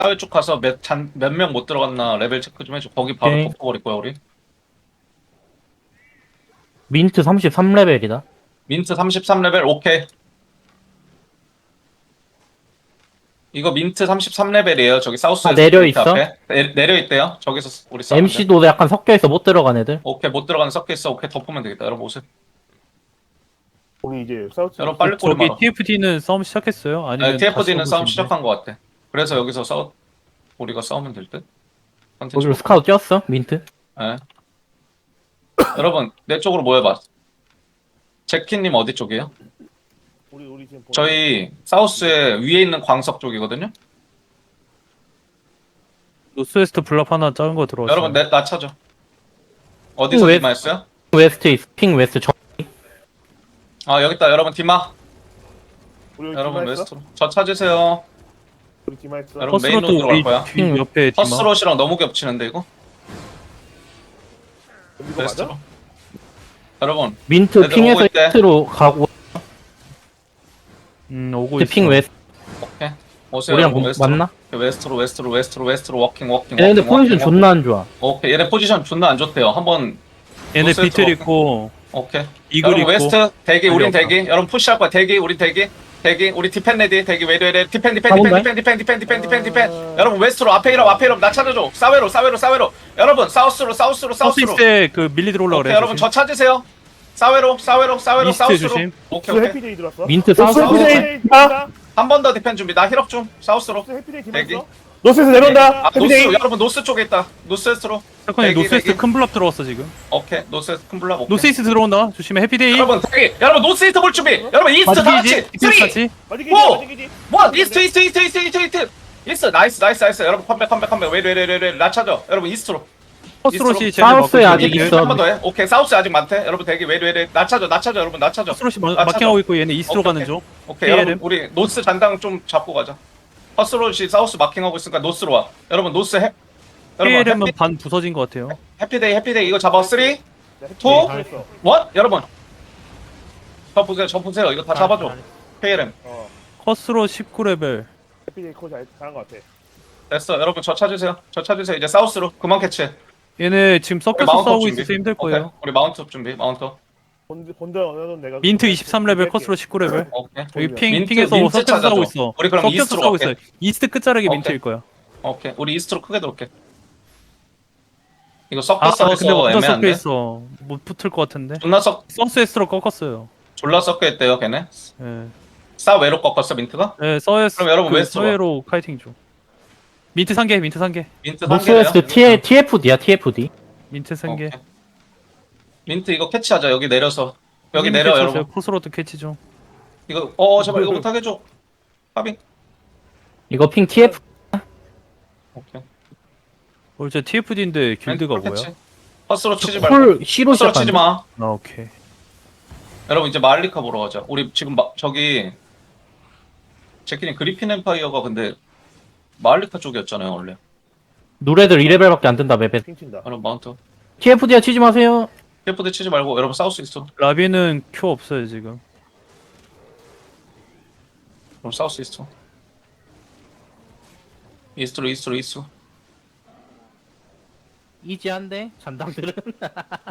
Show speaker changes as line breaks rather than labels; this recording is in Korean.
사회 쪽 가서 몇 명 못 들어갔나 레벨 체크 좀 해줘. 거기 바로
오케이.
덮어버릴 거야 우리.
민트 33레벨이다.
민트 33레벨 오케이. 이거 민트 33레벨이에요. 저기 사우스에서
내려
게이트
있어?
앞에 내려 있대요. 저기서 우리 싸우면 돼.
MC도 약간 섞여있어 못 들어간 애들.
오케이 못 들어가는 섞여 있어. 오케이 덮으면 되겠다. 여러분 오세요.
우리 이제 사우스
여러분 빨리 꼬리
저기
말아.
TFD는 싸움 시작했어요? 아니면
TFD는
다시
싸움
오고
시작한 것 같아. 그래서 여기서 우리가 싸우면 될 듯.
거기로 스카우트 뛰었어 민트.
예. 여러분 내 쪽으로 모여봐. 제키님 어디 쪽이에요?
우리 지금
저희 사우스에 위에 있는 광석 쪽이거든요.
노스웨스트 블랍 하나 작은 거 들어왔어요.
여러분 나 찾아. 어디서
왜-
디마했어요?
웨스트 있어. 핑 웨스트 저.
아 여기 있다. 여러분 디마.
우리 여기
여러분
디마 했어?
웨스트로. 저 찾으세요.
우리 디마 했어?
여러분 메인
퍼스로도
로드로 갈
우리
거야.
뒤 옆에 디마.
퍼스롯이랑 너무 겹치는데 이거?
이거
웨스트로.
맞아?
여러분
민트
애들 오고
핑에서
있대.
히트로 가고
오고 있어.
핑 웨스트.
오케이. 오세요.
우리랑
여러분, 웨스트로.
맞나?
웨스트로 워킹.
얘네들 포지션 존나 안 좋아.
오케이 얘네 포지션 존나 안 좋대요. 한번
얘네
노스웨스트로
비틀
갈까?
있고
오케이.
이글
여러분
있고.
웨스트 대기 우린
없다.
대기. 여러분 푸시할 거야. 대기 우린 대기. 우리 디펜 레디 대기 외래 디펜 여러분 웨스트로 앞에 이름 나 찾아줘. 사웨로 여러분 사우스로
서스이스에 그 밀리 들어올라
오케이
그래.
여러분 저 찾으세요. 사웨로
이스트
사우스로
조심.
오케이
스
오케이
해피데이 들어왔어?
민트
노스
사우스.
해피데이
아!
들어왔다?
한 번 더 디펜 준비 나 힐업 좀 사우스로
노스 해피데이
대기.
들어왔어? 노스에서 내려온다!
아 노스
해피데이!
여러분 노스 쪽에 있다 노스웨스트로
잠깐만
대기,
노스웨스트
대기.
큰 블랍 들어왔어 지금.
오케이 노스웨스트 큰 블락 오케이
노스이스트 들어온다. 조심해. 해피데이.
여러분 대기 여러분 노스이스트 볼 준비 여러분 이스트 다 같이
디펜스
3
같이.
어디기지?
오!
어디기지?
원 이스트 이스트 나이스 여러분 컴백 왜 나 찾아 여러분 이스트로
퍼스롯이
사우스에 아직 있어.
한 번 더 해 오케이 사우스 아직 많대 여러분 대기 나 찾아 여러분 나 찾아
퍼스롯이
아,
마킹하고 있고 얘네 이스트로
오케이,
가는
오케이.
중.
오케이
PLM.
여러분 우리 노스 잔당 좀 잡고 가자 퍼스롯이 사우스 마킹하고 있으니까 노스로 와 여러분 노스 해 여러분
PLM은 반 부서진 것 같아요.
해피데이 이거 잡아 3 2
다 했어.
1 여러분 저 보세요 이거 다 잡아줘 KLM
퍼스롯 19레벨.
해피데이 코 잘한 것 같아.
됐어 여러분 저 찾으세요 이제 사우스로 그만 캐치해
얘네 지금
우리
섞여서
마운트업
싸우고
준비.
있어서 힘들
오케이.
거예요.
우리 마운트업 준비 마운트업
본드 어느 내가
민트 23레벨, 커스로 19레벨.
오케이
여기
민트,
핑에서
민트
섞여서
찾아줘.
싸우고 있어.
우리 그럼
섞여서
이스트로
싸우고
갈게.
있어. 이스트 끝자락이
오케이.
민트일 거야.
오케이 우리 이스트로 크게 들어올게 이거
아,
섞여
근데
싸워서
혼자 섞여
애매한데
있어. 못 붙을 것 같은데. 서스에스로 꺾었어요.
졸라 섞여 있대요 걔네
예.
싸외로 꺾었어 민트가?
예, 서에스.
그럼 여러분 웨스트로
서해로 카이팅 중. 민트 상계.
민트
노스웨스트 TFD야 TFD.
민트 상계.
오케이. 민트 이거 캐치하자 여기 내려서 여기 내려 여러분
포스로드 캐치 중.
이거 제발 이거 못하게 해줘 파빙
이거 핑 TF.
오케이
이제 TFD인데 길드가
풀
뭐야?
캐치. 퍼스로 치지 말고
콜 C로
퍼스로 치지
시작한다.
마
아, 오케이.
여러분 이제 마알리카 보러 가자. 우리 지금 저기 제키님 그리핀 엠파이어가 근데 마알리카 쪽이었잖아요 원래.
노래들 2레벨밖에 안 뜬다 맵에.
핑친다.
여러분 마운트.
TFD야 치지 마세요.
TFD 치지 말고 여러분 싸울 수 있어.
라비는 큐 없어요 지금.
그럼 싸울 수 있어. 이스트로.
이지한데 잔당들은.